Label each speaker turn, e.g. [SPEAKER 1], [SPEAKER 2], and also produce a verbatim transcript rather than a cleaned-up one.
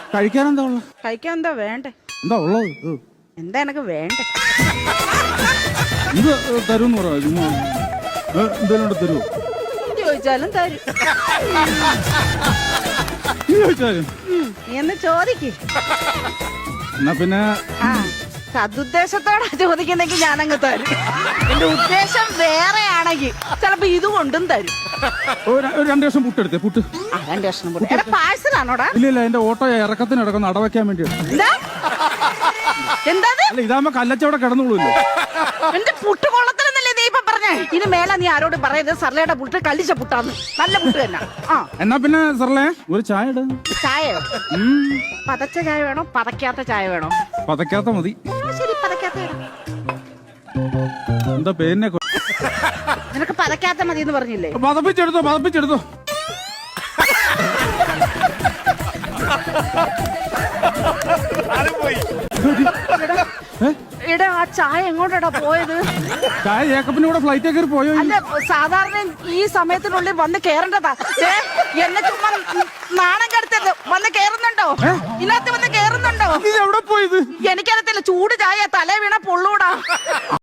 [SPEAKER 1] കഴിക്കാൻ എന്താ ഉള്ളത്?
[SPEAKER 2] കഴിക്കാൻ എന്താ വേണ്ടേ?
[SPEAKER 1] എന്താ ഉള്ളത്? ഏ.
[SPEAKER 2] എന്താ എനക്ക് വേണ്ടേ?
[SPEAKER 1] ഇത് തരുമെന്ന് പറയാ ചുമ്മാ ഏ, എന്തേലും തരുമോ?
[SPEAKER 2] ചോദിച്ചാലും തരും.
[SPEAKER 1] നീ ചോദിച്ചാലും
[SPEAKER 2] ഉം, നീ എന്ന് ചോദിക്ക്.
[SPEAKER 1] എന്നാ പിന്നെ
[SPEAKER 2] ആ സതുദ്ദേശത്തോടെ ചോദിക്കുന്നെങ്കിൽ ഞാനങ്ങ് തരും. എന്റെ ഉദ്ദേശം വേറെ ആണെങ്കിൽ ചിലപ്പോ ഇത് കൊണ്ടും തരും.
[SPEAKER 1] ഒരു ഒരു രണ്ട് വർഷം പുട്ടെടുത്തേ പുട്ട്.
[SPEAKER 2] ആ, രണ്ട് കഷ്ണം പൊടി. എടാ പാഴ്സലാണോടാ?
[SPEAKER 1] ഇല്ല ഇല്ല എന്റെ ഓട്ടോ ഇറക്കത്തിന് ഇടക്കുന്ന അടവയ്ക്കാൻ വേണ്ടിയാണ്.
[SPEAKER 2] എന്താ എന്താ
[SPEAKER 1] അല്ല ഇതാകുമ്പോ കല്ലച്ചവിടെ കിടന്നുള്ളൂല്ലോ.
[SPEAKER 2] എന്റെ പുട്ട് കൊള്ളത്തിലെന്നല്ലേ നീ ഇപ്പൊ പറഞ്ഞേ? ഇനി മേല നീ ആരോട് പറയരുത് സർലയുടെ പുട്ട് കല്ലിച്ച പുട്ടാന്ന്. നല്ല പുട്ട് തന്നെ. ആ
[SPEAKER 1] എന്നാ പിന്നെ സർലേ ഒരു ചായ ഇട.
[SPEAKER 2] ചായയോ? പതച്ച ചായ വേണോ പതക്കാത്ത ചായ വേണോ?
[SPEAKER 1] പതക്കാത്ത മതി.
[SPEAKER 2] ആ, ശരി പതക്കാത്ത ഇടാം.
[SPEAKER 1] എന്താ പേരിനെ
[SPEAKER 2] നിനക്ക് പതക്കാത്ത മതി എന്ന് പറഞ്ഞില്ലേ?
[SPEAKER 1] പതപ്പിച്ചെടുത്തോ പതപ്പിച്ചെടുത്തോ.
[SPEAKER 2] എടാ ആ ചായ എങ്ങോട്ടാ പോയത്?
[SPEAKER 1] ചായ ജേക്കബിന്റെ കൂടെ ഫ്ലൈറ്റ് കയറി പോയോ?
[SPEAKER 2] അല്ല സാധാരണ ഈ സമയത്തിനുള്ളിൽ വന്ന് കേറേണ്ടതാ. ദേ, എന്നെ ചുമ്മാ നാണം കെടുത്തത്. വന്ന് കേറുന്നുണ്ടോ? ഇതിനകത്ത് വന്ന് കേറുന്നുണ്ടോ?
[SPEAKER 1] ഇത് എവിടെ പോയത്?
[SPEAKER 2] എനിക്കറിയത്തില്ല. ചൂട് ചായ തലേ വീണ പൊള്ളൂടാ.